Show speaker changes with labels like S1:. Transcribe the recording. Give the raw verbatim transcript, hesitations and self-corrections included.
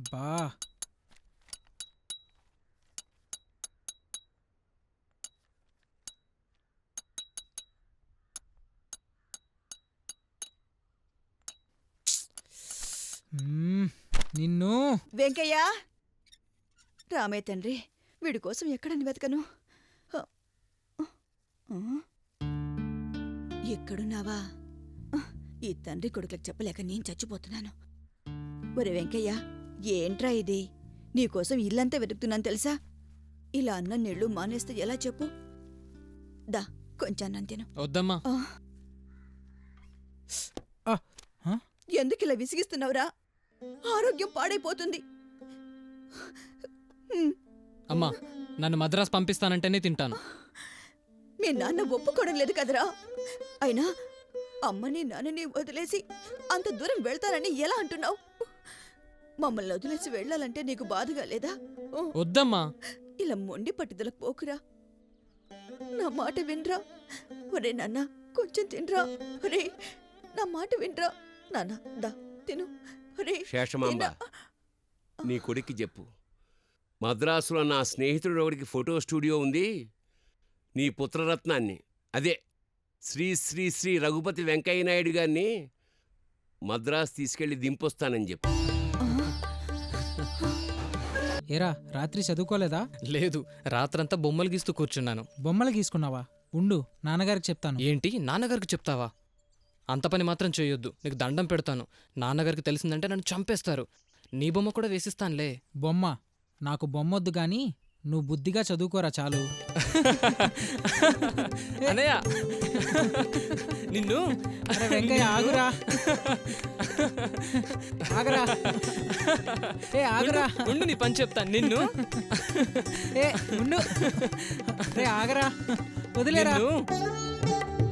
S1: బా నిన్ను
S2: వెంకయ్య రామే తండ్రి వీడి కోసం ఎక్కడని వెతకను. ఎక్కడున్నావా? ఈ తండ్రి కొడుకులకు చెప్పలేక నేను చచ్చిపోతున్నాను. ఒరే వెంకయ్య, ఏంట్రా ఇది? నీకోసం ఇల్లంతా వెతుకుతున్నాను తెలుసా? ఇలా అన్న నీళ్లు మానేస్తే ఎలా చెప్పు? దా కొంచెం అన్నం తిను.
S3: వద్దమ్మా.
S2: ఎందుకిలా విసిగిస్తున్నావురా? ఆరోగ్యం పాడైపోతుంది.
S3: అమ్మా, నన్ను మద్రాసు పంపిస్తానంటేనే తింటాను.
S2: మీ నాన్న ఒప్పుకోవడం లేదు కదరా. అయినా అమ్మని నాన్నని వదిలేసి అంత దూరం వెళ్తానని ఎలా అంటున్నావు? మమ్మల్ని వదిలేసి వెళ్ళాలంటే నీకు బాధగా లేదా?
S3: వద్దమ్మా.
S2: ఇలా మొండి పట్టుదలకు పోకురా. నా మాట వినరా. ఒరే నాన్న, కొంచెం తినరా. ఒరే నా మాట వినరా. నాన్న దా తిను.
S4: శేషమాంబ, నీ కొడుక్కి చెప్పు, మద్రాసులో నా స్నేహితుడు ఒకడికి ఫోటో స్టూడియో ఉంది. నీ పుత్రరత్నాన్ని, అదే శ్రీ శ్రీ శ్రీ రఘుపతి వెంకయ్య నాయుడు గారిని మద్రాసు తీసుకెళ్లి దింపొస్తానని చెప్పు.
S1: ఏరా, రాత్రి చదువుకోలేదా?
S3: లేదు, రాత్రంతా బొమ్మలు గీస్తూ కూర్చున్నాను.
S1: బొమ్మలు గీసుకున్నావా? ఉండు, నాన్నగారికి చెప్తాను.
S3: ఏంటి, నాన్నగారికి చెప్తావా? అంత పని మాత్రం చేయొద్దు, నీకు దండం పెడతాను. నాన్నగారికి తెలిసిందంటే నన్ను చంపేస్తారు. నీ బొమ్మ కూడా వేసిస్తానులే.
S1: బొమ్మ నాకు బొమ్మొద్దు గాని నువ్వు బుద్ధిగా చదువుకోరా చాలు.
S3: అనయ్య, నిన్ను.
S1: అరే వెంకయ్య, ఆగురా ఆగరా. ఏ ఆగరా,
S3: ఉండు, నీ పని చెప్తాను. నిన్ను
S1: ఏ ఉండు. రే ఆగరా, వదిలేరా.